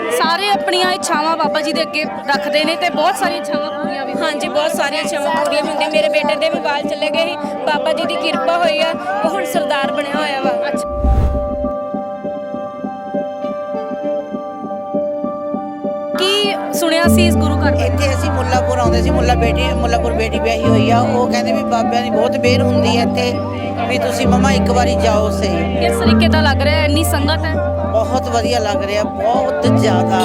ਸਾਰੇ ਆਪਣੀਆਂ ਇੱਛਾਵਾਂ ਬਾਬਾ ਜੀ ਦੇ ਅੱਗੇ ਰੱਖਦੇ ਨੇ ਤੇ ਬਹੁਤ ਸਾਰੀਆਂ ਇੱਛਾਵਾਂ ਪੂਰੀਆਂ ਵੀ हाँ जी, बहुत सारिया इच्छावां पूरी होंदियां। मेरे बेटे दे भी बाल चले गए ही, बाबा जी की किरपा हुई है, वो हुण सरदार बनया होया वा। ਕੀ ਸੁਣਿਆ ਸੀ ਇਸ ਗੁਰੂ ਘਰ ਬਾਰੇ? ਇੱਥੇ ਅਸੀਂ ਮੁੱਲਾਪੁਰ ਆਉਂਦੇ ਸੀ, ਮੁੱਲਾਪੁਰ ਬੇਟੀ ਵਿਆਹੀ ਹੋਈ ਆ। ਉਹ ਕਹਿੰਦੇ ਵੀ ਬਾਬਿਆਂ ਦੀ ਬਹੁਤ ਮਿਹਰ ਹੁੰਦੀ ਹੈ ਇੱਥੇ, ਵੀ ਤੁਸੀਂ ਮਮਾ ਇੱਕ ਵਾਰੀ ਜਾਓ ਸਹੀ। ਕਿਸ ਤਰੀਕੇ ਦਾ ਲੱਗ ਰਿਹਾ ਹੈ? ਇੰਨੀ ਸੰਗਤ ਹੈ। ਬਹੁਤ ਵਧੀਆ ਲੱਗ ਰਿਹਾ, ਬਹੁਤ ਜ਼ਿਆਦਾ।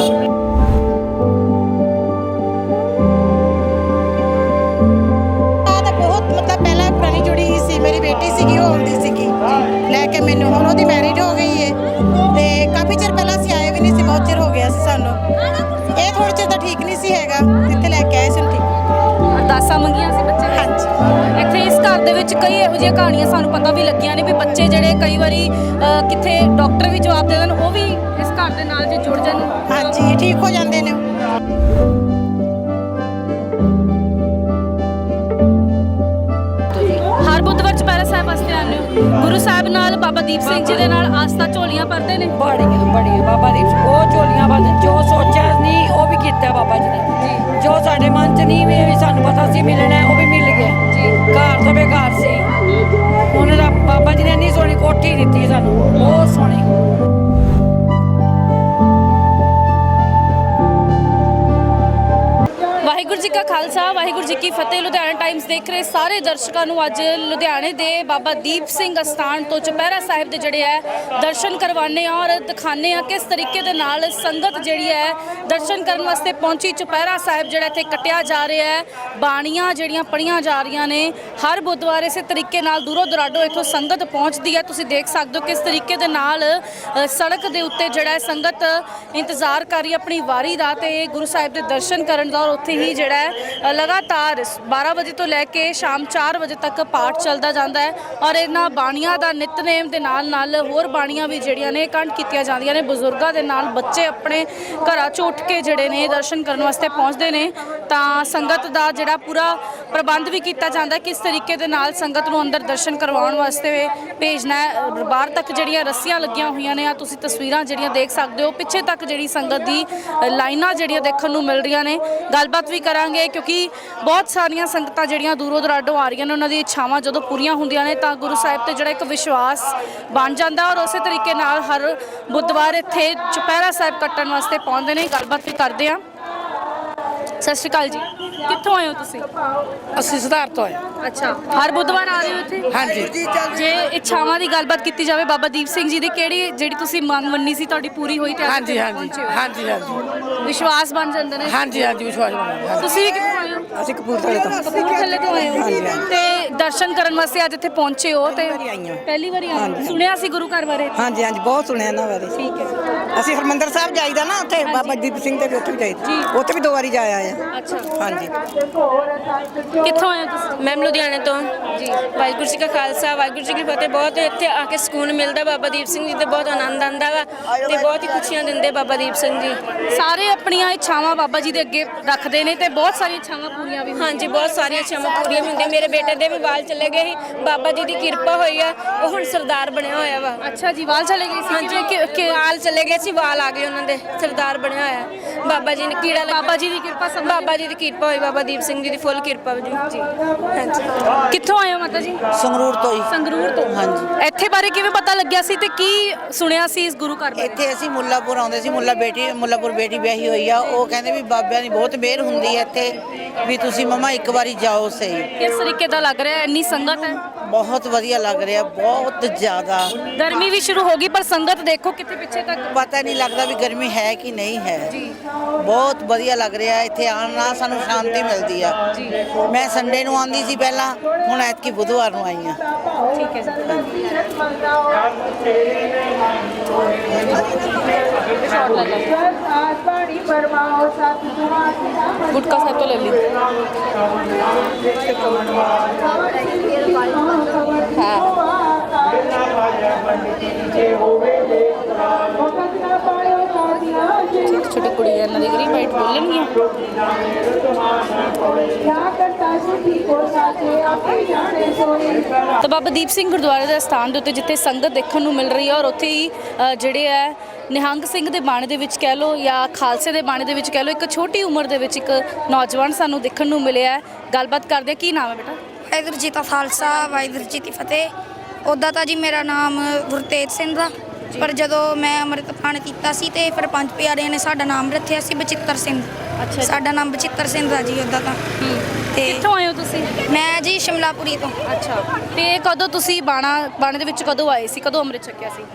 ਪਹਿਲਾਂ ਪੁਰਾਣੀ ਜੁੜੀ ਸੀ, ਮੇਰੀ ਬੇਟੀ ਸੀਗੀ, ਉਹ ਆਉਂਦੀ ਸੀਗੀ ਲੈ ਕੇ ਮੈਨੂੰ। ਹੁਣ ਉਹਦੀ ਮੈਰਿਜ ਹੋ ਗਈ ਹੈ ਤੇ ਕਾਫੀ ਚਿਰ ਪਹਿਲਾਂ ਅਸੀਂ ਆਏ ਵੀ ਨਹੀਂ ਸੀ, ਬਹੁਤ ਚਿਰ ਹੋ ਗਿਆ ਸੀ ਸਾਨੂੰ। ਇਹ ਥੋੜ੍ਹੇ ਚਿਰ ਤਾਂ ਠੀਕ ਨਹੀਂ ਸੀ ਹੈਗਾ, ਇੱਥੇ ਲੈ ਕੇ ਆਏ ਸੀ ਠੀਕ। ਅਰਦਾਸਾਂ ਮੰਗੀਆਂ ਸੀ ਬੱਚੇ ਨੇ? ਹਾਂਜੀ। ਇੱਥੇ ਇਸ ਘਰ ਦੇ ਵਿੱਚ ਕਈ ਇਹੋ ਜਿਹੀਆਂ ਕਹਾਣੀਆਂ ਸਾਨੂੰ ਪਤਾ ਵੀ ਲੱਗੀਆਂ ਨੇ ਵੀ ਬੱਚੇ ਜਿਹੜੇ ਕਈ ਵਾਰੀ ਕਿੱਥੇ ਡਾਕਟਰ ਵੀ ਜਵਾਬ ਦੇ ਦੇਣ, ਉਹ ਵੀ ਇਸ ਘਰ ਦੇ ਨਾਲ ਜੇ ਜੁੜ ਜਾਣ, ਹਾਂਜੀ, ਠੀਕ ਹੋ ਜਾਂਦੇ ਨੇ। ਹਰ ਬੁੱਧਵਾਰ ਚੁਪਹਿਰਾ ਸਾਹਿਬ ਵਾਸਤੇ ਆਉਂਦੇ ਹੋ। ਗੁਰੂ ਸਾਹਿਬ ਨਾਲ ਬਾਬਾ ਦੀਪ ਸਿੰਘ ਜੀ ਦੇ ਨਾਲ ਆਸਥਾ ਝੋਲੀਆਂ ਭਰਦੇ ਨੇ। ਬੜੀਆਂ ਬਾਬਾ ਦੀਪ ਸਿੰਘ ਉਹ ਝੋਲੀਆਂ ਭਰਦੇ। ਜੋ ਸੋਚਿਆ ਨਹੀਂ ਉਹ ਵੀ ਕੀਤਾ ਬਾਬਾ ਜੀ ਨੇ। ਜੋ ਸਾਡੇ ਮਨ 'ਚ ਨਹੀਂ ਵੀ ਸਾਨੂੰ ਪਤਾ ਸੀ ਮਿਲਣਾ, ਉਹ ਵੀ ਮਿਲ ਗਿਆ ਜੀ। ਘਰ ਤੋਂ ਬੇਘਰ ਸੀ, ਉਹਨਾਂ ਦਾ ਬਾਬਾ ਜੀ ਨੇ ਇੰਨੀ ਸੋਹਣੀ ਕੋਠੀ ਦਿੱਤੀ ਸਾਨੂੰ, ਬਹੁਤ ਸੋਹਣੀ। ਵਾਹਿਗੁਰੂ ਜੀ ਕਾ ਖਾਲਸਾ, ਵਾਹਿਗੁਰੂ ਜੀ ਕੀ ਫਤਿਹ। ਲੁਧਿਆਣਾ ਟਾਈਮਸ ਦੇਖ ਰਹੇ ਸਾਰੇ ਦਰਸ਼ਕਾਂ ਨੂੰ ਅੱਜ ਲੁਧਿਆਣੇ ਦੇ ਬਾਬਾ ਦੀਪ ਸਿੰਘ ਅਸਥਾਨ ਤੋਂ ਚੁਪਹਿਰਾ ਸਾਹਿਬ ਦੇ ਜਿਹੜੇ ਹੈ ਦਰਸ਼ਨ ਕਰਵਾਉਂਦੇ ਆ ਔਰ ਦਿਖਾਉਂਦੇ ਆ ਕਿਸ ਤਰੀਕੇ ਦੇ ਨਾਲ ਸੰਗਤ ਜਿਹੜੀ ਹੈ ਦਰਸ਼ਨ ਕਰਨ ਵਾਸਤੇ ਪਹੁੰਚੀ। ਚੁਪਹਿਰਾ ਸਾਹਿਬ ਜਿਹੜਾ ਇੱਥੇ ਕੱਟਿਆ ਜਾ ਰਿਹਾ ਹੈ, ਬਾਣੀਆਂ ਜਿਹੜੀਆਂ ਪੜ੍ਹੀਆਂ ਜਾ ਰਹੀਆਂ ਨੇ ਹਰ ਬੁੱਧਵਾਰ। ਇਸੇ ਤਰੀਕੇ ਨਾਲ ਦੂਰੋਂ ਦੁਰਾਡੋਂ ਇੱਥੋਂ ਸੰਗਤ ਪਹੁੰਚਦੀ ਹੈ। ਤੁਸੀਂ ਦੇਖ ਸਕਦੇ ਹੋ ਕਿਸ ਤਰੀਕੇ ਦੇ ਨਾਲ ਸੜਕ ਦੇ ਉੱਤੇ ਜਿਹੜਾ ਸੰਗਤ ਇੰਤਜ਼ਾਰ ਕਰ ਰਹੀ ਆਪਣੀ ਵਾਰੀ ਦਾ ਤੇ ਗੁਰੂ ਸਾਹਿਬ ਦੇ ਦਰਸ਼ਨ ਕਰਨ ਦਾ। ਔਰ ਉੱਥੇ ਹੀ ਜਿਹੜਾ ਹੈ ਲਗਾਤਾਰ 12 ਵਜੇ ਤੋਂ ਲੈ ਕੇ ਸ਼ਾਮ 4 ਵਜੇ ਤੱਕ ਪਾਠ ਚੱਲਦਾ ਜਾਂਦਾ ਹੈ ਔਰ ਇਹਨਾਂ ਬਾਣੀਆਂ ਦਾ ਨਿਤਨੇਮ ਦੇ ਨਾਲ ਹੋਰ ਬਾਣੀਆਂ ਵੀ ਜਿਹੜੀਆਂ ਨੇ ਕੰਠ ਕੀਤੀਆਂ ਜਾਂਦੀਆਂ ਨੇ। ਬਜ਼ੁਰਗਾਂ ਦੇ ਨਾਲ ਬੱਚੇ ਆਪਣੇ ਘਰਾਂ 'ਚੋਂ ਉੱਠ ਕੇ ਜਿਹੜੇ ਨੇ ਦਰਸ਼ਨ ਕਰਨ ਵਾਸਤੇ ਪਹੁੰਚਦੇ ਨੇ। ਤਾਂ ਸੰਗਤ ਦਾ ਜਿਹੜਾ ਪੂਰਾ ਪ੍ਰਬੰਧ ਵੀ ਕੀਤਾ ਜਾਂਦਾ ਕਿਸ ਤਰੀਕੇ ਦੇ ਨਾਲ ਸੰਗਤ ਨੂੰ ਅੰਦਰ ਦਰਸ਼ਨ ਕਰਵਾਉਣ ਵਾਸਤੇ ਭੇਜਣਾ ਹੈ। ਬਾਹਰ ਤੱਕ ਜਿਹੜੀਆਂ ਰੱਸੀਆਂ ਲੱਗੀਆਂ ਹੋਈਆਂ ਨੇ, ਆ ਤੁਸੀਂ ਤਸਵੀਰਾਂ ਜਿਹੜੀਆਂ ਦੇਖ ਸਕਦੇ ਹੋ। ਪਿੱਛੇ ਤੱਕ ਜਿਹੜੀ ਸੰਗਤ ਦੀ ਲਾਈਨਾਂ ਜਿਹੜੀਆਂ ਦੇਖਣ ਨੂੰ ਮਿਲ ਰਹੀਆਂ ਨੇ। ਗੱਲਬਾਤ ਵੀ ਕਰਾਂਗੇ ਕਿਉਂਕਿ ਬਹੁਤ ਸਾਰੀਆਂ ਸੰਗਤਾਂ ਜਿਹੜੀਆਂ ਦੂਰੋਂ ਦੁਰਾਡੋਂ ਆ ਰਹੀਆਂ ਨੇ, ਉਹਨਾਂ ਦੀ ਇੱਛਾਵਾਂ ਜਦੋਂ ਪੂਰੀਆਂ ਹੁੰਦੀਆਂ ਨੇ ਤਾਂ ਗੁਰੂ ਸਾਹਿਬ ਤੇ ਜਿਹੜਾ ਇੱਕ ਵਿਸ਼ਵਾਸ ਬਣ ਜਾਂਦਾ ਔਰ ਉਸੇ ਤਰੀਕੇ ਨਾਲ ਹਰ ਬੁੱਧਵਾਰ ਇੱਥੇ ਚੁਪਹਿਰਾ ਸਾਹਿਬ ਕੱਟਣ ਵਾਸਤੇ ਪਹੁੰਚਦੇ ਨੇ। ਗੱਲਬਾਤ ਵੀ ਕਰਦੇ ਹਾਂ। ਸਤਿ ਸ਼੍ਰੀ ਅਕਾਲ ਜੀ, ਕਿੱਥੋਂ ਆਏ ਹੋ ਤੁਸੀਂ? ਅਸੀਂ ਸੁਧਾਰ ਤੋਂ ਆਏ। ਅੱਛਾ, ਹਰ ਬੁੱਧਵਾਰ ਆ ਰਹੇ ਹੋ ਇੱਥੇ? ਹਾਂਜੀ। ਜੇ ਇੱਛਾਵਾਂ ਦੀ ਗੱਲਬਾਤ ਕੀਤੀ ਜਾਵੇ ਬਾਬਾ ਦੀਪ ਸਿੰਘ ਜੀ ਦੀ, ਕਿਹੜੀ ਜਿਹੜੀ ਤੁਸੀਂ ਮੰਗ ਮੰਨੀ ਸੀ ਤੁਹਾਡੀ ਪੂਰੀ ਹੋਈ ਤੇ ਹਾਂਜੀ ਵਿਸ਼ਵਾਸ ਬਣ ਜਾਂਦਾ ਨੇ? ਹਾਂਜੀ ਵਿਸ਼ਵਾਸ ਬਣਿਆ। ਤੁਸੀਂ ਵੀ ਕਿੱਥੋਂ ਆਏ ਹੋ? ਅਸੀਂ ਕਪੂਰਥਲੇ ਤੋਂ ਆਏ ਹੋ ਤੇ ਦਰਸ਼ਨ ਕਰਨ ਵਾਸਤੇ ਅੱਜ ਇੱਥੇ ਪਹੁੰਚੇ ਹੋ ਤੇ ਪਹਿਲੀ ਵਾਰੀ ਆਏ? ਸੁਣਿਆ ਸੀ ਗੁਰੂ ਘਰ ਬਾਰੇ? ਹਾਂਜੀ, ਬਹੁਤ ਸੁਣਿਆ ਇਹਨਾਂ ਬਾਰੇ। ਠੀਕ ਹੈ। ਅਸੀਂ ਹਰਮੰਦਰ ਸਾਹਿਬ ਜਾਈਦਾ ਨਾ, ਉੱਥੇ ਬਾਬਾ ਦੀਪ ਸਿੰਘ ਦੇ ਵੀ ਉੱਥੇ ਵੀ ਜਾਈਦਾ, ਉੱਥੇ ਵੀ 2 ਵਾਰੀ ਜਾਇਆ ਆ। ਅੱਛਾ, ਹਾਂਜੀ। ਕਿੱਥੋਂ ਆਏ ਹੋ ਤੁਸੀਂ? मैम लुधियाने तो जी। वाहिगुरू जी का खालसा, वाहिगुरू जी की फतेह। बहुत इत्थे आके ਸਕੂਨ ਮਿਲਦਾ ਬਾਬਾ ਦੀਪ ਸਿੰਘ ਜੀ ਤੇ ਬਹੁਤ ਆਨੰਦ ਆਉਂਦਾ ਵਾ ਤੇ ਬਹੁਤ ਹੀ ਖੁਸ਼ੀਆਂ ਦਿੰਦੇ ਬਾਬਾ ਦੀਪ ਸਿੰਘ ਜੀ। ਸਾਰੇ ਆਪਣੀਆਂ ਇੱਛਾਵਾਂ ਬਾਬਾ ਜੀ ਦੇ ਅੱਗੇ ਰੱਖਦੇ ਨੇ ਤੇ ਬਹੁਤ ਸਾਰੀਆਂ ਇੱਛਾਵਾਂ ਪੂਰੀਆਂ ਵੀ हाँ जी, बहुत सारिया इच्छावां पूरियां होंदियां। मेरे बेटे दे भी बाल चले गए ही, बाबा जी की किरपा हुई है, वो हुण सरदार बनया होया वा। ਅੱਛਾ ਜੀ, ਵਾਲ ਚਲੇ ਗਏ ਸੀ? हाँ जी, वाल चले गए सी, वाल आ गए उन्होंने, सरदार बनया होया। बाबा जी ने कीड़ा ਬਾਬਾ ਜੀ ਦੀ ਕਿਰਪਾ ਸਭ ਬਾਬਾ ਜੀ ਦੀ ਕਿਰਪਾ ਹੋਈ, ਬਾਬਾ ਦੀਪ ਸਿੰਘ ਜੀ ਦੀ ਫੁੱਲ ਕਿਰਪਾ ਜੀ। ਹਾਂਜੀ। ਕਿੱਥੋਂ ਆਏ ਹੋ ਮਾਤਾ ਜੀ? ਸੰਗਰੂਰ ਤੋਂ ਹੀ। ਸੰਗਰੂਰ ਤੋਂ? ਹਾਂਜੀ। ਇੱਥੇ ਬਾਰੇ ਕਿਵੇਂ ਪਤਾ ਲੱਗਿਆ ਸੀ ਤੇ ਕੀ ਸੁਣਿਆ ਸੀ ਇਸ ਗੁਰੂ ਘਰ ਬਾਰੇ? ਇੱਥੇ ਅਸੀਂ ਮੁੱਲਾਪੁਰ ਆਉਂਦੇ ਸੀ, ਮੁੱਲਾਪੁਰ ਬੇਟੀ ਵਿਆਹੀ ਹੋਈ ਆ। ਉਹ ਕਹਿੰਦੇ ਵੀ ਬਾਬਿਆਂ ਦੀ ਬਹੁਤ ਮਿਹਰ ਹੁੰਦੀ ਹੈ ਇੱਥੇ, ਵੀ ਤੁਸੀਂ ਮਮਾ ਇੱਕ ਵਾਰੀ ਜਾਓ ਸਹੀ। ਕਿਸ ਤਰੀਕੇ ਦਾ ਲੱਗ ਰਿਹਾ ਹੈ? ਇੰਨੀ ਸੰਗਤ ਹੈ। ਬਹੁਤ ਵਧੀਆ ਲੱਗ ਰਿਹਾ, ਬਹੁਤ ਜ਼ਿਆਦਾ। ਗਰਮੀ ਵੀ ਸ਼ੁਰੂ ਹੋ ਗਈ ਪਰ ਸੰਗਤ ਦੇਖੋ ਕਿੱਥੇ ਪਿੱਛੇ ਤੱਕ। ਪਤਾ ਨਹੀਂ ਲੱਗਦਾ ਵੀ ਗਰਮੀ ਹੈ ਕਿ ਨਹੀਂ ਹੈ। ਬਹੁਤ ਵਧੀਆ ਲੱਗ ਰਿਹਾ ਇੱਥੇ ਆਉਣ ਨਾਲ, ਸਾਨੂੰ ਸ਼ਾਂਤੀ ਮਿਲਦੀ ਆ। ਮੈਂ ਸੰਡੇ ਨੂੰ ਆਉਂਦੀ ਸੀ ਪਹਿਲਾਂ, ਹੁਣ ਐਤਕੀ ਬੁੱਧਵਾਰ ਨੂੰ ਆਈ ਆ। ਠੀਕ ਹੈ ਜੀ। ਗੁਟਕਾ ਸਾਹਿਬ ਤੋਂ ਲੈ ਲਈ। ਛੋਟੀ ਛੋਟੀ ਕੁੜੀਆਂ ਇਹਨਾਂ ਦੀ ਗਰੀ ਬਾਈਟ ਬੋਲਣਗੀਆਂ। ਤਾਂ ਬਾਬਾ ਦੀਪ ਸਿੰਘ ਗੁਰਦੁਆਰੇ ਦੇ ਸਥਾਨ ਦੇ ਉੱਤੇ ਜਿੱਥੇ ਸੰਗਤ ਦੇਖਣ ਨੂੰ ਮਿਲ ਰਹੀ ਹੈ ਔਰ ਉੱਥੇ ਹੀ ਜਿਹੜੇ ਹੈ ਨਿਹੰਗ ਸਿੰਘ ਦੇ ਬਾਣੇ ਦੇ ਵਿੱਚ ਕਹਿ ਲਓ ਜਾਂ ਖਾਲਸੇ ਦੇ ਬਾਣੇ ਦੇ ਵਿੱਚ ਕਹਿ ਲਓ, ਇੱਕ ਛੋਟੀ ਉਮਰ ਦੇ ਵਿੱਚ ਇੱਕ ਨੌਜਵਾਨ ਸਾਨੂੰ ਦੇਖਣ ਨੂੰ ਮਿਲਿਆ ਹੈ। ਗੱਲਬਾਤ ਕਰਦੇ ਕੀ ਨਾਮ ਹੈ ਬੇਟਾ? ਵਾਹਿਗੁਰੂ ਜੀ ਕਾ ਖਾਲਸਾ ਵਾਹਿਗੁਰੂ ਜੀ ਕੀ ਫਤਿਹ। ਉੱਦਾਂ ਤਾਂ ਜੀ ਮੇਰਾ ਨਾਮ ਗੁਰਤੇਜ ਸਿੰਘ ਦਾ, ਪਰ ਜਦੋਂ ਮੈਂ ਅੰਮ੍ਰਿਤਪਾਨ ਕੀਤਾ ਸੀ ਤੇ ਫਿਰ ਪੰਜ ਪਿਆਰਿਆਂ ਨੇ ਸਾਡਾ ਨਾਮ ਰੱਖਿਆ ਸੀ ਬਚਿੱਤਰ ਸਿੰਘ। ਅੱਛਾ, ਸਾਡਾ ਨਾਮ ਬਚਿੱਤਰ ਸਿੰਘ ਦਾ ਜੀ ਉੱਦਾਂ ਤਾਂ। ਤੇ ਕਿੱਥੋਂ ਆਏ ਹੋ ਤੁਸੀਂ? ਮੈਂ ਜੀ ਸ਼ਿਮਲਾਪੁਰੀ ਤੋਂ। ਅੱਛਾ, ਤੇ ਕਦੋਂ ਤੁਸੀਂ ਬਾਣੇ ਦੇ ਵਿੱਚ ਕਦੋਂ ਆਏ ਸੀ, ਕਦੋਂ ਅੰਮ੍ਰਿਤ ਛਕਿਆ ਸੀ?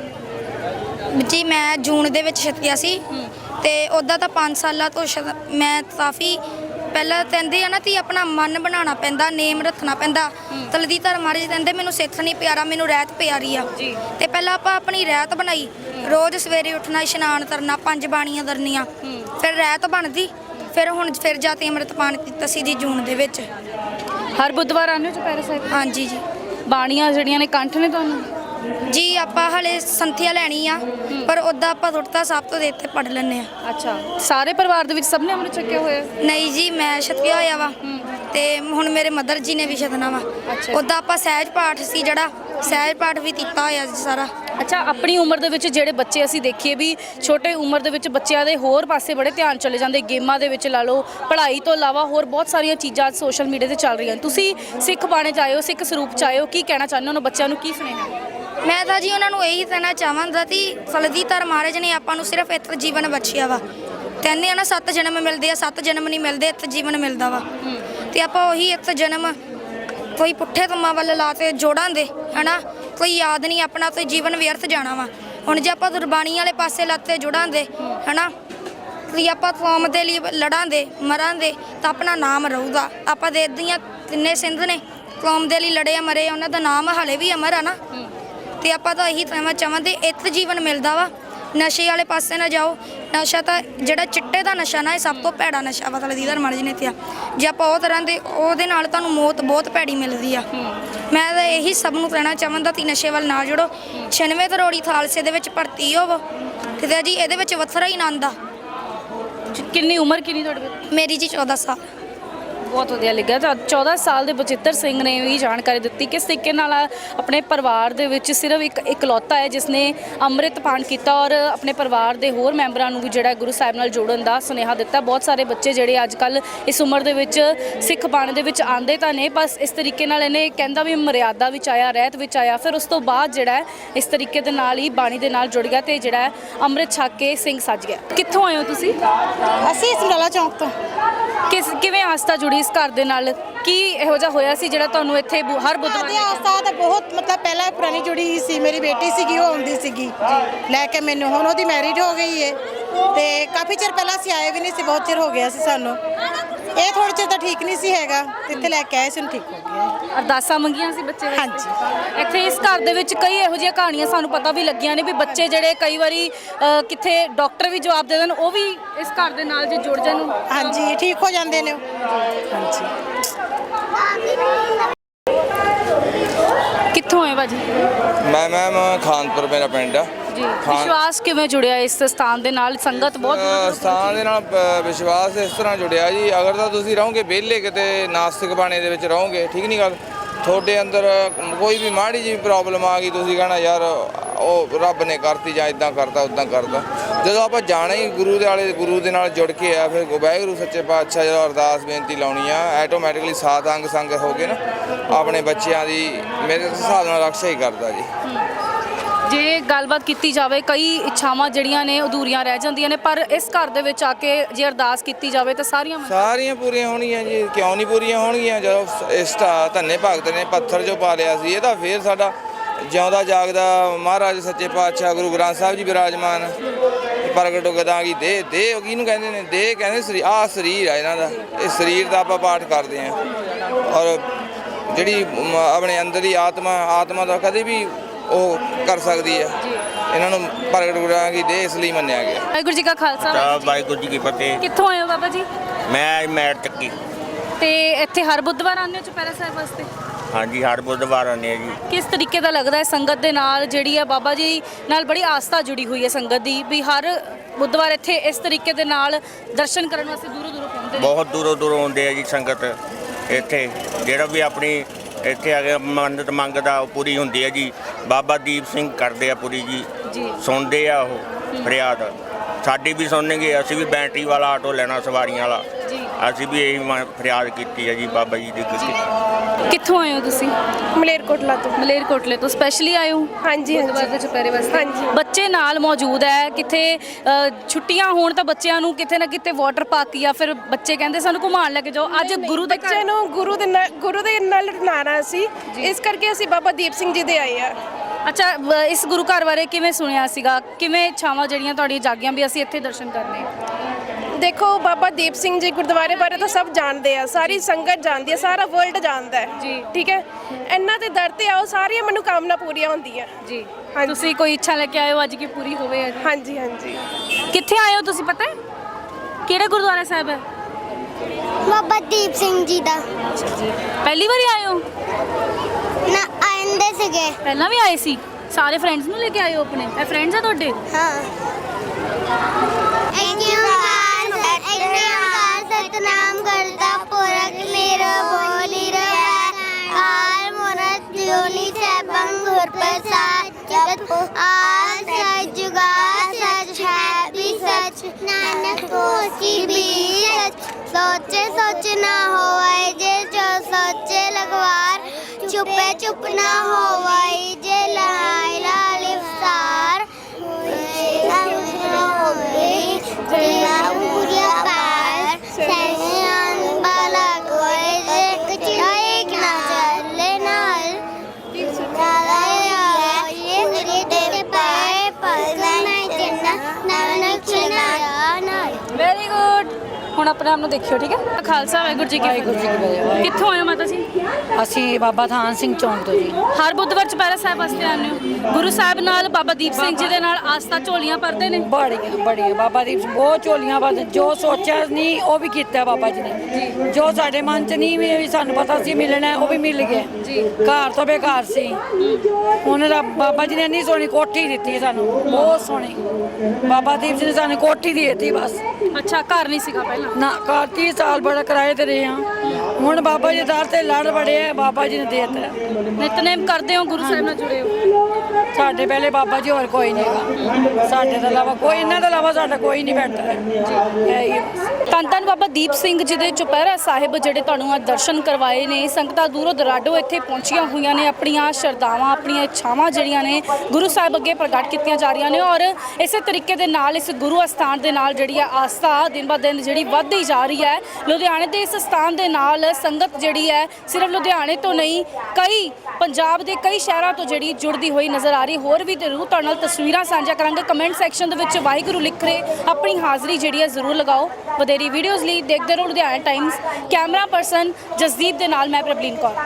ਜੀ ਮੈਂ ਜੂਨ ਦੇ ਵਿੱਚ ਛਕਿਆ ਸੀ ਤੇ ਉੱਦਾਂ ਤਾਂ 5 ਸਾਲਾਂ ਤੋਂ ਮੈਂ ਕਾਫੀ ਪਹਿਲਾਂ ਕਹਿੰਦੇ ਆ ਨਾ ਕਿ ਆਪਣਾ ਮਨ ਬਣਾਉਣਾ ਪੈਂਦਾ, ਨੇਮ ਰੱਖਣਾ ਪੈਂਦਾ। ਤਲਦੀਧਰ ਮਹਾਰਾਜ ਕਹਿੰਦੇ ਮੈਨੂੰ ਸਿੱਖ ਨਹੀਂ ਪਿਆਰਾ, ਮੈਨੂੰ ਰਹਿਤ ਪਿਆਰੀ ਆ। ਤੇ ਪਹਿਲਾਂ ਆਪਾਂ ਆਪਣੀ ਰਹਿਤ ਬਣਾਈ, ਰੋਜ਼ ਸਵੇਰੇ ਉੱਠਣਾ, ਇਸ਼ਨਾਨ ਕਰਨਾ, 5 ਬਾਣੀਆਂ ਕਰਨੀਆਂ, ਫਿਰ ਰਹਿਤ ਬਣਦੀ। ਫਿਰ ਹੁਣ ਫਿਰ ਜਾ ਕੇ ਅੰਮ੍ਰਿਤਪਾਨ ਕੀਤਾ ਸੀ ਜੀ ਜੂਨ ਦੇ ਵਿੱਚ। ਹਰ ਬੁੱਧਵਾਰ ਆਉਂਦੇ ਹੋ ਚੁਪਹਿਰਾ ਸਾਹਿਬ? ਹਾਂਜੀ ਜੀ। ਬਾਣੀਆਂ ਜਿਹੜੀਆਂ ਨੇ ਕੰਠ ਨੇ ਤੁਹਾਨੂੰ? ਜੀ ਆਪਾਂ ਹਲੇ ਸੰਥਿਆ ਲੈਣੀ ਆ, ਪਰ ਉੱਦਾਂ ਆਪਾਂ ਸੁਰਤਾ ਸਾਹਿਬ ਤੋਂ ਦੇ ਉੱਤੇ ਪੜ੍ਹ ਲੈਂਦੇ ਆ। ਅੱਛਾ, ਸਾਰੇ ਪਰਿਵਾਰ ਦੇ ਵਿੱਚ ਸਭ ਨੇ ਅੰਮ੍ਰਿਤ ਛਕਿਆ ਹੋਇਆ? ਨਹੀਂ ਜੀ, ਮੈਂ ਛਕਿਆ ਹੋਇਆ ਵਾ ਤੇ ਹੁਣ ਮੇਰੇ ਮਦਰ ਜੀ ਨੇ ਵੀ ਛਕਣਾ ਵਾ। ਉੱਦਾਂ ਆਪਾਂ ਸਹਿਜ ਪਾਠ ਸੀ ਜਿਹੜਾ, ਸਹਿਜ ਪਾਠ ਵੀ ਕੀਤਾ ਹੋਇਆ ਜੀ ਸਾਰਾ। ਅੱਛਾ, ਆਪਣੀ ਉਮਰ ਦੇ ਵਿੱਚ ਜਿਹੜੇ ਬੱਚੇ ਅਸੀਂ ਦੇਖੀਏ ਵੀ ਛੋਟੇ ਉਮਰ ਦੇ ਵਿੱਚ ਬੱਚਿਆਂ ਦੇ ਹੋਰ ਪਾਸੇ ਬੜੇ ਧਿਆਨ ਚਲੇ ਜਾਂਦੇ, ਗੇਮਾਂ ਦੇ ਵਿੱਚ ਲਾ ਲਓ, ਪੜ੍ਹਾਈ ਤੋਂ ਇਲਾਵਾ ਹੋਰ ਬਹੁਤ ਸਾਰੀਆਂ ਚੀਜ਼ਾਂ ਸੋਸ਼ਲ ਮੀਡੀਆ ਤੇ ਚੱਲ ਰਹੀਆਂ। ਤੁਸੀਂ ਸਿੱਖ ਬਾਣੇ 'ਚ ਆਏ ਹੋ, ਸਿੱਖ ਸਰੂਪ 'ਚ ਆਏ ਹੋ, ਕੀ ਕਹਿਣਾ ਚਾਹੁੰਦੇ ਹੋ ਉਹਨਾਂ ਬੱਚਿਆਂ ਨੂੰ, ਕੀ ਸੁਨੇਹਾ? ਮੈਂ ਤਾਂ ਜੀ ਉਹਨਾਂ ਨੂੰ ਇਹੀ ਕਹਿਣਾ ਚਾਹਾਂਗਾ ਕਿ ਤਲਦੀਧਰ ਮਹਾਰਾਜ ਨੇ ਆਪਾਂ ਨੂੰ ਸਿਰਫ ਇੱਕ ਜੀਵਨ ਬਖਸ਼ਿਆ ਵਾ। ਕਹਿੰਦੇ ਆ ਨਾ 7 ਜਨਮ ਮਿਲਦੇ ਆ, 7 ਜਨਮ ਨਹੀਂ ਮਿਲਦੇ, ਇੱਕ ਜੀਵਨ ਮਿਲਦਾ ਵਾ। ਤੇ ਆਪਾਂ ਉਹੀ ਇੱਕ ਜਨਮ ਕੋਈ ਪੁੱਠੇ ਕੰਮਾਂ ਵੱਲ ਲਾ ਕੇ ਜੋੜਾਂਗੇ ਹਨਾ, ਕੋਈ ਯਾਦ ਨਹੀਂ ਆਪਣਾ, ਤੇ ਜੀਵਨ ਵਿਅਰਥ ਜਾਣਾ ਵਾ। ਹੁਣ ਜੇ ਆਪਾਂ ਗੁਰਬਾਣੀ ਵਾਲੇ ਪਾਸੇ ਲੱਤੇ ਜੁੜਾਂਗੇ ਹਨਾ, ਕਿ ਆਪਾਂ ਕੌਮ ਦੇ ਲਈ ਲੜਾਂਗੇ, ਮਰਾਂਗੇ, ਤਾਂ ਆਪਣਾ ਨਾਮ ਰਹੂਗਾ। ਆਪਾਂ ਦੇਖਦੇ ਹਾਂ ਕਿੰਨੇ ਸਿੰਧ ਨੇ ਕੌਮ ਦੇ ਲਈ ਲੜੇ, ਮਰੇ, ਉਹਨਾਂ ਦਾ ਨਾਮ ਹਾਲੇ ਵੀ ਅਮਰ ਆ ਨਾ। ਤੇ ਆਪਾਂ ਤਾਂ ਇਹੀ ਕਹਿਣਾ ਚਾਹਾਂਗੇ, ਇੱਕ ਜੀਵਨ ਮਿਲਦਾ ਵਾ, ਨਸ਼ੇ ਵਾਲੇ ਪਾਸੇ ਨਾ ਜਾਓ। ਨਸ਼ਾ ਤਾਂ ਜਿਹੜਾ ਚਿੱਟੇ ਦਾ ਨਸ਼ਾ ਨਾ, ਇਹ ਸਭ ਤੋਂ ਭੈੜਾ ਨਸ਼ਾ ਵਾ। ਤਲਦੀਧਰ ਮਹਾਰਾਜ ਨੇ ਕਿਹਾ ਜੇ ਆਪਾਂ ਉਹ ਤਰ੍ਹਾਂ ਦੇ, ਉਹਦੇ ਨਾਲ ਤੁਹਾਨੂੰ ਮੌਤ ਬਹੁਤ ਭੈੜੀ ਮਿਲਦੀ ਆ। ਮੈਂ ਤਾਂ ਇਹੀ ਸਭ ਨੂੰ ਕਹਿਣਾ ਚਾਹਾਂਗਾ ਕਿ ਨਸ਼ੇ ਵੱਲ ਨਾ ਜੁੜੋ। 96 ਕਰੋੜੀ ਖਾਲਸੇ ਦੇ ਵਿੱਚ ਭਰਤੀ ਹੋਵੋ ਕਿਤੇ ਜੀ, ਇਹਦੇ ਵਿੱਚ ਵੱਖਰਾ ਹੀ ਆਨੰਦ ਆ। ਕਿੰਨੀ ਉਮਰ ਕਿੰਨੀ ਤੁਹਾਡੇ? ਮੇਰੀ ਜੀ 14 ਸਾਲ। ਬਹੁਤ ਵਧੀਆ ਲੱਗਾ। ਤਾਂ 14 ਸਾਲ ਦੇ ਬਚਿੱਤਰ ਸਿੰਘ ਨੇ ਵੀ ਜਾਣਕਾਰੀ ਦਿੱਤੀ ਕਿਸ ਤਰੀਕੇ ਨਾਲ ਆਪਣੇ ਪਰਿਵਾਰ ਦੇ ਵਿੱਚ ਸਿਰਫ ਇੱਕ ਇਕਲੌਤਾ ਹੈ ਜਿਸ ਨੇ ਅੰਮ੍ਰਿਤਪਾਨ ਕੀਤਾ ਔਰ ਆਪਣੇ ਪਰਿਵਾਰ ਦੇ ਹੋਰ ਮੈਂਬਰਾਂ ਨੂੰ ਵੀ ਜਿਹੜਾ ਗੁਰੂ ਸਾਹਿਬ ਨਾਲ ਜੋੜਨ ਦਾ ਸੁਨੇਹਾ ਦਿੱਤਾ। ਬਹੁਤ ਸਾਰੇ ਬੱਚੇ ਜਿਹੜੇ ਅੱਜ ਕੱਲ੍ਹ ਇਸ ਉਮਰ ਦੇ ਵਿੱਚ ਸਿੱਖ ਬਾਣੇ ਦੇ ਵਿੱਚ ਆਉਂਦੇ ਤਾਂ ਨੇ, ਬਸ ਇਸ ਤਰੀਕੇ ਨਾਲ ਇਹਨੇ ਕਹਿੰਦਾ ਵੀ ਮਰਿਆਦਾ ਵਿੱਚ ਆਇਆ, ਰਹਿਤ ਵਿੱਚ ਆਇਆ, ਫਿਰ ਉਸ ਤੋਂ ਬਾਅਦ ਜਿਹੜਾ ਇਸ ਤਰੀਕੇ ਦੇ ਨਾਲ ਹੀ ਬਾਣੀ ਦੇ ਨਾਲ ਜੁੜ ਗਿਆ ਤੇ ਜਿਹੜਾ ਅੰਮ੍ਰਿਤ ਛਕ ਕੇ ਸਿੰਘ ਸੱਜ ਗਿਆ। ਕਿੱਥੋਂ ਆਏ ਹੋ ਤੁਸੀਂ? ਅਸੀਂ ਸਮਰਾਲਾ ਚੌਂਕ ਤੋਂ। ਕਿਵੇਂ ਆਸਥਾ ਜੁੜੀ ਇਸ ਘਰ ਦੇ ਨਾਲ? ਕੀ ਇਹੋ ਜਿਹਾ ਹੋਇਆ ਸੀ ਜਿਹੜਾ ਤੁਹਾਨੂੰ ਇੱਥੇ ਹਰ ਬੁੱਧਵਾਰ? ਸਾਡੀ ਆਸਥਾ ਤਾਂ ਬਹੁਤ ਮਤਲਬ ਪਹਿਲਾਂ ਪੁਰਾਣੀ ਜੁੜੀ ਸੀ। ਮੇਰੀ ਬੇਟੀ ਸੀਗੀ, ਉਹ ਆਉਂਦੀ ਸੀਗੀ ਲੈ ਕੇ ਮੈਨੂੰ। ਹੁਣ ਉਹਦੀ ਮੈਰਿਜ ਹੋ ਗਈ ਹੈ ਤੇ ਕਾਫੀ ਚਿਰ ਪਹਿਲਾਂ ਅਸੀਂ ਆਏ ਵੀ ਨਹੀਂ ਸੀ, ਬਹੁਤ ਚਿਰ ਹੋ ਗਿਆ ਸੀ ਸਾਨੂੰ। ਇਹ ਥੋੜ੍ਹੇ ਚਿਰ ਤਾਂ ਠੀਕ ਨਹੀਂ ਸੀ ਹੈਗਾ, ਇੱਥੇ ਲੈ ਕੇ ਆਏ ਸੀ, ਹੁਣ ਠੀਕ ਹੋ ਗਿਆ। ਅਰਦਾਸਾਂ ਮੰਗੀਆਂ ਸੀ ਬੱਚੇ ਵਾਸਤੇ? ਹਾਂਜੀ। ਇੱਥੇ ਇਸ ਘਰ ਦੇ ਵਿੱਚ ਕਈ ਇਹੋ ਜਿਹੀਆਂ ਕਹਾਣੀਆਂ ਸਾਨੂੰ ਪਤਾ ਵੀ ਲੱਗੀਆਂ ਨੇ ਵੀ ਬੱਚੇ ਜਿਹੜੇ ਕਈ ਵਾਰੀ ਕਿੱਥੇ ਡਾਕਟਰ ਵੀ ਜਵਾਬ ਦੇ ਦੇਣ, ਉਹ ਵੀ ਇਸ ਘਰ ਦੇ ਨਾਲ ਜੇ ਜੁੜ ਜਾਣ। ਹਾਂਜੀ, ਠੀਕ ਹੋ ਜਾਂਦੇ ਨੇ। ਹਾਂਜੀ। ਕਿੱਥੋਂ ਆਏ ਭਾਜੀ? ਮੈਂ ਮੈਮ ਖਾਨਪੁਰ ਮੇਰਾ ਪਿੰਡ ਆ ਜੀ। ਵਿਸ਼ਵਾਸ ਕਿਵੇਂ ਜੁੜਿਆ ਇਸ ਸਥਾਨ ਦੇ ਨਾਲ? ਸੰਗਤ ਬਹੁਤ ਸਥਾਨ ਦੇ ਨਾਲ ਵਿਸ਼ਵਾਸ ਇਸ ਤਰ੍ਹਾਂ ਜੁੜਿਆ ਜੀ, ਅਗਰ ਤਾਂ ਤੁਸੀਂ ਰਹੋਗੇ ਵਿਹਲੇ ਕਿਤੇ ਨਾਸਤਿਕ ਬਾਣੇ ਦੇ ਵਿੱਚ ਰਹੋਗੇ, ਠੀਕ ਨਹੀਂ ਗੱਲ, ਤੁਹਾਡੇ ਅੰਦਰ ਕੋਈ ਵੀ ਮਾੜੀ ਜਿਹੀ ਪ੍ਰੋਬਲਮ ਆ ਗਈ, ਤੁਸੀਂ ਕਹਿਣਾ ਯਾਰ ਉਹ ਰੱਬ ਨੇ ਕਰਤੀ ਜਾਂ ਇਦਾਂ ਕਰਦਾ ਉੱਦਾਂ ਕਰਦਾ। ਜਦੋਂ ਆਪਾਂ ਜਾਣਾ ਹੀ ਗੁਰੂ ਦੇ ਨਾਲ ਜੁੜ ਕੇ ਆ, ਫਿਰ ਵਾਹਿਗੁਰੂ ਸੱਚੇ ਪਾਤਸ਼ਾਹ ਜਦੋਂ ਅਰਦਾਸ ਬੇਨਤੀ ਲਾਉਣੀ ਆ, ਆਟੋਮੈਟਿਕਲੀ ਸਾਧ ਅੰਗ ਸੰਗ ਹੋ ਕੇ ਨਾ ਆਪਣੇ ਬੱਚਿਆਂ ਦੀ ਮੇਰੇ ਹਿਸਾਬ ਨਾਲ ਰਕਸ਼ਾ ਹੀ ਕਰਦਾ ਜੀ। ਜੇ ਗੱਲਬਾਤ ਕੀਤੀ ਜਾਵੇ, ਕਈ ਇੱਛਾਵਾਂ ਜਿਹੜੀਆਂ ਨੇ ਅਧੂਰੀਆਂ ਰਹਿ ਜਾਂਦੀਆਂ ਨੇ, ਪਰ ਇਸ ਘਰ ਦੇ ਵਿੱਚ ਆ ਕੇ ਜੇ ਅਰਦਾਸ ਕੀਤੀ ਜਾਵੇ ਤਾਂ ਸਾਰੀਆਂ ਪੂਰੀਆਂ ਹੋਣਗੀਆਂ ਜੀ। ਕਿਉਂ ਨਹੀਂ ਪੂਰੀਆਂ ਹੋਣਗੀਆਂ? ਜਦੋਂ ਇਸ ਧੰਨੇ ਭਗਤ ਨੇ ਪੱਥਰ ਜੋ ਪਾ ਲਿਆ ਸੀ, ਇਹ ਤਾਂ ਫੇਰ ਸਾਡਾ ਜਿਉਂਦਾ ਜਾਗਦਾ ਮਹਾਰਾਜ ਸੱਚੇ ਪਾਤਸ਼ਾਹ ਗੁਰੂ ਗ੍ਰੰਥ ਸਾਹਿਬ ਜੀ ਬਿਰਾਜਮਾਨ ਪ੍ਰਗਟ ਗਦਾਂਗੀ ਦੇ ਕਿਹਨੂੰ ਕਹਿੰਦੇ ਨੇ? ਦੇ ਕਹਿੰਦੇ ਆਹ ਸਰੀਰ ਆ ਇਹਨਾਂ ਦਾ, ਇਹ ਸਰੀਰ ਦਾ ਆਪਾਂ ਪਾਠ ਕਰਦੇ ਹਾਂ। ਔਰ ਜਿਹੜੀ ਆਪਣੇ ਅੰਦਰ ਦੀ ਆਤਮਾ ਦਾ ਕਦੇ ਵੀ ਉਹ ਕਰ ਸਕਦੀ ਹੈ, ਇਹਨਾਂ ਨੂੰ ਪ੍ਰਗਟ ਗੁਰਾਂਗੀ ਦੇ ਇਸ ਲਈ ਮੰਨਿਆ ਗਿਆ। ਵਾਹਿਗੁਰੂ ਜੀ ਕਾ ਖਾਲਸਾ, ਵਾਹਿਗੁਰੂ ਜੀ ਕੀ ਫਤਿਹ। ਕਿੱਥੋਂ ਆਏ ਹੋ ਬਾਬਾ ਜੀ? ਮੈਂ ਮੈਟ ਚੱਕੀ। ਤੇ ਇੱਥੇ ਹਰ ਬੁੱਧਵਾਰ ਆਉਂਦੇ ਹੋ ਚੁਪਹਿਰਾ ਸਾਹਿਬ ਵਾਸਤੇ? ਹਾਂਜੀ, ਹਰ ਬੁੱਧਵਾਰ ਆਉਂਦੇ ਆ ਜੀ। ਕਿਸ ਤਰੀਕੇ ਦਾ ਲੱਗਦਾ ਹੈ ਸੰਗਤ ਦੇ ਨਾਲ ਜਿਹੜੀ ਹੈ ਬਾਬਾ ਜੀ ਨਾਲ ਬੜੀ ਆਸਥਾ ਜੁੜੀ ਹੋਈ ਹੈ ਸੰਗਤ ਦੀ, ਵੀ ਹਰ ਬੁੱਧਵਾਰ ਇੱਥੇ ਇਸ ਤਰੀਕੇ ਦੇ ਨਾਲ ਦਰਸ਼ਨ ਕਰਨ ਵਾਸਤੇ ਦੂਰੋਂ ਪਹੁੰਚਦੇ ਨੇ? ਬਹੁਤ ਦੂਰੋਂ ਆਉਂਦੇ ਆ ਜੀ ਸੰਗਤ ਇੱਥੇ। ਜਿਹੜਾ ਵੀ ਆਪਣੀ ਇੱਥੇ ਆ ਕੇ ਮੰਨਤ ਮੰਗਦਾ ਉਹ ਪੂਰੀ ਹੁੰਦੀ ਹੈ ਜੀ। ਬਾਬਾ ਦੀਪ ਸਿੰਘ ਕਰਦੇ ਆ ਪੂਰੀ ਜੀ, ਸੁਣਦੇ ਆ ਉਹ ਫਰਿਆਦ ਸਾਡੀ ਵੀ ਸੁਣਨਗੇ। ਅਸੀਂ ਵੀ ਬੈਟਰੀ ਵਾਲਾ ਆਟੋ ਲੈਣਾ, ਸਵਾਰੀਆਂ ਵਾਲਾ। ਅਸੀਂ ਵੀ ਇਹੀ ਫਰਿਆਦ ਕੀਤੀ ਹੈ ਜੀ ਬਾਬਾ ਜੀ ਦੀ ਕੀਤੀ। ਕਿੱਥੋਂ ਆਏ ਹੋ ਤੁਸੀਂ? ਮਲੇਰਕੋਟਲਾ ਤੋਂ। ਮਲੇਰਕੋਟਲੇ ਤੋਂ ਸਪੈਸ਼ਲੀ ਆਏ ਹੋ? ਹਾਂਜੀ ਗੁਰਦੁਆਰੇ ਦੇ ਚੁਪਹਿਰੇ ਵਾਸਤੇ। ਹਾਂਜੀ। ਬੱਚੇ ਨਾਲ ਮੌਜੂਦ ਹੈ। ਕਿਤੇ ਛੁੱਟੀਆਂ ਹੋਣ ਤਾਂ ਬੱਚਿਆਂ ਨੂੰ ਕਿਤੇ ਨਾ ਕਿਤੇ ਵਾਟਰ ਪਾਰਕ ਜਾਂ ਫਿਰ ਬੱਚੇ ਕਹਿੰਦੇ ਸਾਨੂੰ ਘੁਮਾਉਣ ਲੈ ਕੇ ਜਾਓ। ਅੱਜ ਗੁਰੂ ਦੇ ਬੱਚੇ ਨੂੰ ਗੁਰੂ ਦੇ ਨਾਲ ਨਾਰਾ ਸੀ, ਇਸ ਕਰਕੇ ਅਸੀਂ ਬਾਬਾ ਦੀਪ ਸਿੰਘ ਜੀ ਦੇ ਆਏ ਆ। ਅੱਛਾ, ਇਸ ਗੁਰੂ ਘਰ ਬਾਰੇ ਕਿਵੇਂ ਸੁਣਿਆ ਸੀਗਾ? ਕਿਵੇਂ ਇੱਛਾਵਾਂ ਜਿਹੜੀਆਂ ਤੁਹਾਡੀਆਂ ਜਾਗੀਆਂ ਵੀ ਅਸੀਂ ਇੱਥੇ ਦਰਸ਼ਨ ਕਰਨੇ ਆ? ਦੇਖੋ, ਬਾਬਾ ਦੀਪ ਸਿੰਘ ਜੀ ਗੁਰਦੁਆਰੇ ਬਾਰੇ ਤਾਂ ਸਭ ਜਾਣਦੇ ਆ, ਸਾਰੀ ਸੰਗਤ ਜਾਣਦੀ ਹੈ, ਸਾਰਾ ਵਰਲਡ ਜਾਣਦਾ ਹੈ ਜੀ। ਠੀਕ ਹੈ, ਇਹਨਾਂ ਦੇ ਦਰ ਤੇ ਆਓ, ਸਾਰੀਆਂ ਮਨੋਕਾਮਨਾ ਪੂਰੀਆਂ ਹੁੰਦੀਆਂ ਜੀ। ਹਾਂਜੀ। ਤੁਸੀਂ ਕੋਈ ਇੱਛਾ ਲੈ ਕੇ ਆਏ ਹੋ ਅੱਜ ਕੀ ਪੂਰੀ ਹੋਵੇ? ਅੱਜ ਹਾਂਜੀ ਹਾਂਜੀ। ਕਿੱਥੇ ਆਏ ਹੋ ਤੁਸੀਂ, ਪਤਾ ਹੈ ਕਿਹੜੇ ਗੁਰਦੁਆਰਾ ਸਾਹਿਬ ਹੈ? ਬਾਬਾ ਦੀਪ ਸਿੰਘ ਜੀ ਦਾ। ਪਹਿਲੀ ਵਾਰੀ ਆਏ ਹੋ? ਨਾ ਆਂਦੇ ਸੀਗੇ। ਪਹਿਲਾਂ ਵੀ ਆਏ ਸੀ? ਸਾਰੇ ਫਰੈਂਡਸ ਨੂੰ ਲੈ ਕੇ ਆਏ ਹੋ ਆਪਣੇ? ਇਹ ਫਰੈਂਡਸ ਆ ਤੁਹਾਡੇ? ਹਾਂ। ਸਤਨਾਮ ਕਰਤਾ ਪੁਰਖ ਨਿਰਭਉ ਆਲ ਮਨੁ ਜੋਨੀ ਸੈਭੰ ਗੁਰ ਪ੍ਰਸਾਦ ਜਗਤ ਆਲ ਸਚ ਜੁਗਾ ਸਚ ਹੈ ਵੀ ਸਚ ਨਾਨਕ ਹੋਸੀ ਵੀ ਸਚ सोचे सोच ना होवाई जे जो सोचे लगवार छुपे चुप ना होवाई जे लहाई लाल इफ्तार ਵੈਰੀ ਗੁੱਡ। ਹੁਣ ਆਪਣੇ ਆਪ ਨੂੰ ਦੇਖਿਓ, ਠੀਕ ਹੈ? ਖਾਲਸਾ ਵਾਹਿਗੁਰੂ ਜੀ ਕੀ ਫਤਿਹ। ਕਿੱਥੋਂ ਆਏ ਹੋ ਮਾਤਾ ਜੀ? ਅਸੀਂ ਬਾਬਾ ਥਾਨ ਸਿੰਘ ਚੌਂਕ ਤੋਂ ਜੀ। ਹਰ ਬੁੱਧਵਾਰ ਚੁਪਹਿਰਾ ਸਾਹਿਬ ਵਾਸਤੇ ਆਉਂਦੇ ਹੋ? ਗੁਰੂ ਸਾਹਿਬ ਨਾਲ, ਬਾਬਾ ਦੀਪ ਸਿੰਘ ਜੀ ਦੇ ਨਾਲ ਆਸਥਾ ਝੋਲੀਆਂ ਭਰਦੇ ਨੇ? ਬੜੀਆਂ ਬਾਬਾ ਦੀਪ ਸਿੰਘ ਬਹੁਤ ਝੋਲੀਆਂ ਭਰਦੇ। ਜੋ ਸੋਚਿਆ ਨਹੀਂ ਉਹ ਵੀ ਕੀਤਾ ਬਾਬਾ ਜੀ ਨੇ। ਜੋ ਸਾਡੇ ਮਨ 'ਚ ਨਹੀਂ ਵੀ ਸਾਨੂੰ ਪਤਾ ਸੀ ਮਿਲਣਾ, ਉਹ ਵੀ ਮਿਲ ਗਿਆ ਜੀ। ਘਰ ਤੋਂ ਬੇਘਰ ਸੀ, ਉਹਨਾਂ ਦਾ ਬਾਬਾ ਜੀ ਨੇ ਇੰਨੀ ਸੋਹਣੀ ਕੋਠੀ ਦਿੱਤੀ ਸਾਨੂੰ, ਬਹੁਤ ਸੋਹਣੀ। ਬਾਬਾ ਦੀਪ ਸਿੰਘ ਨੇ ਸਾਨੂੰ ਕੋਠੀ ਦੇ ਦਿੱਤੀ ਬਸ। ਅੱਛਾ, ਘਰ ਨਹੀਂ ਸੀਗਾ ਪਹਿਲਾਂ? ਨਾ, ਘਰ 30 ਸਾਲ ਬੜਾ ਕਿਰਾਏ ਤੇ ਰਹੇ ਹਾਂ। ਹੁਣ ਬਾਬਾ ਜੀ ਦਰ ਤੇ ਲੜ ਬੜੇ ਆ, ਬਾਬਾ ਜੀ ਨੇ ਦੇ ਦਿੱਤਾ। ਨਿਤਨੇਮ ਕਰਦੇ ਹੋ? ਗੁਰੂ ਸਾਹਿਬ ਨਾਲ ਜੁੜੇ ਹੋ? ਸਾਡੇ ਪਹਿਲੇ ਬਾਬਾ ਜੀ ਹੋਰ ਕੋਈ ਨਹੀਂ ਹੈਗਾ ਸਾਡੇ ਤੋਂ ਇਲਾਵਾ, ਕੋਈ ਇਹਨਾਂ ਤੋਂ ਇਲਾਵਾ ਸਾਡਾ ਕੋਈ ਨਹੀਂ ਬੈਠਦਾ ਜੀ। ਧੰਨ ਧੰਨ ਬਾਬਾ ਦੀਪ ਸਿੰਘ ਜੀ ਦੇ ਚੁਪਹਿਰਾ ਸਾਹਿਬ ਜਿਹੜੇ ਤੁਹਾਨੂੰ ਅੱਜ ਦਰਸ਼ਨ ਕਰਵਾਏ ਨੇ। ਸੰਗਤਾਂ ਦੂਰੋਂ ਦਰਾਡੋਂ ਇੱਥੇ ਪਹੁੰਚੀਆਂ ਹੋਈਆਂ ਨੇ, ਆਪਣੀਆਂ ਸ਼ਰਧਾਵਾਂ, ਆਪਣੀਆਂ ਇੱਛਾਵਾਂ ਜਿਹੜੀਆਂ ਨੇ ਗੁਰੂ ਸਾਹਿਬ ਅੱਗੇ ਪ੍ਰਗਟ ਕੀਤੀਆਂ ਜਾ ਰਹੀਆਂ ਨੇ। ਔਰ ਇਸੇ ਤਰੀਕੇ ਦੇ ਨਾਲ ਇਸ ਗੁਰੂ ਅਸਥਾਨ ਦੇ ਨਾਲ ਜਿਹੜੀ ਆ ਆਸਥਾ ਦਿਨ ਬ ਦਿਨ ਜਿਹੜੀ ਵੱਧਦੀ ਜਾ ਰਹੀ ਹੈ। ਲੁਧਿਆਣੇ ਦੇ ਇਸ ਸਥਾਨ ਦੇ ਨਾਲ ਸੰਗਤ ਜਿਹੜੀ ਹੈ ਸਿਰਫ ਲੁਧਿਆਣੇ ਤੋਂ ਨਹੀਂ, ਕਈ ਪੰਜਾਬ ਦੇ ਕਈ ਸ਼ਹਿਰਾਂ ਤੋਂ ਜਿਹੜੀ ਜੁੜਦੀ ਹੋਈ ਨਜ਼ਰ ਆ ਰਹੀ। ਹੋਰ ਵੀ ਜ਼ਰੂਰ ਤੁਹਾਡੇ ਨਾਲ ਤਸਵੀਰਾਂ ਸਾਂਝਾ ਕਰਾਂਗੇ। ਕਮੈਂਟ ਸੈਕਸ਼ਨ ਦੇ ਵਿੱਚ ਵਾਹਿਗੁਰੂ ਲਿਖ ਰਹੇ ਆਪਣੀ ਹਾਜ਼ਰੀ ਜਿਹੜੀ ਹੈ ਜ਼ਰੂਰ ਲਗਾਓ। ਵਧੇਰੀ ਵੀਡੀਓਜ਼ ਲਈ ਦੇਖਦੇ ਰਹੋ Ludhiana Times. Camera person Jasdeep ਦੇ ਨਾਲ ਮੈਂ ਪ੍ਰਬਲੀਨ ਕੌਰ।